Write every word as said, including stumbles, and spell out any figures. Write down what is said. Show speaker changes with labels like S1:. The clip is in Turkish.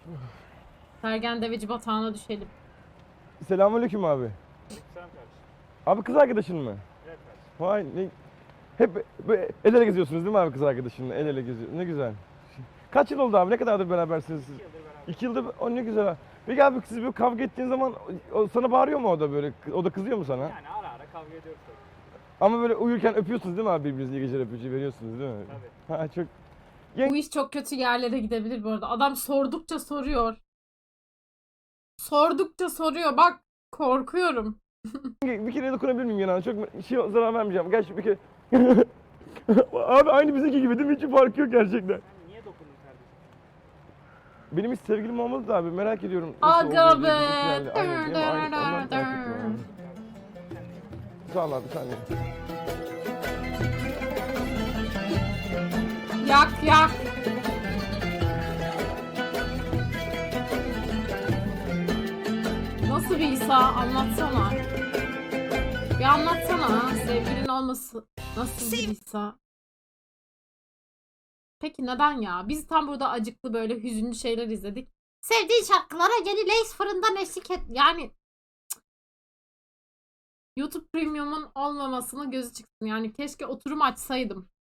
S1: Sergen Deveci batağına düşelim.
S2: Selamünaleyküm abi.
S3: Selam kardeşim.
S2: Abi kız arkadaşın mı?
S3: Evet kardeşim.
S2: Vay ne... Hep böyle el ele geziyorsunuz değil mi abi kız arkadaşınla? El ele geziyor. Ne güzel. Kaç yıl oldu abi? Ne kadardır berabersiniz siz?
S3: İki yıldır beraber.
S2: İki yıldır. O ne güzel abi. Peki abi siz böyle kavga ettiğin zaman o sana bağırıyor mu o da böyle? O da kızıyor mu sana?
S3: Yani ara ara kavga ediyoruz tabii.
S2: Ama böyle uyurken öpüyorsunuz değil mi abi birbirinizi? İyi geceler öpücüğü veriyorsunuz değil mi?
S3: Tabii.
S2: Ha çok...
S1: Bu iş çok kötü yerlere gidebilir bu arada. Adam sordukça soruyor. Sordukça soruyor. Bak korkuyorum.
S2: Bir kere dokunabilir miyim yanına? Çok şey zarar vermeyeceğim. Gerçi bir kere... Abi aynı bizimki gibi değil mi? Hiç farkı yok gerçekten.
S3: Yani niye dokundun kardeşim?
S2: Benim hiç sevgilim olmadı da abi merak ediyorum. nasıl
S1: Aga
S2: olduğunu
S1: be.
S2: diye bizimkilerle. Aynen, değil mi? Aynen, ondan merak ettim abi. Sağ ol abi sen de.
S1: Yak yak. Nasıl bir İsa? Anlatsana. Bir anlatsana. Sevgilin olması nasıl bir İsa? Peki neden ya? Biz tam burada acıklı böyle hüzünlü şeyler izledik. Sevdiğin şarkılara yeni Lays fırından eşlik et. Yani cık. YouTube Premium'un olmamasına gözü çıksın. Yani keşke oturum açsaydım.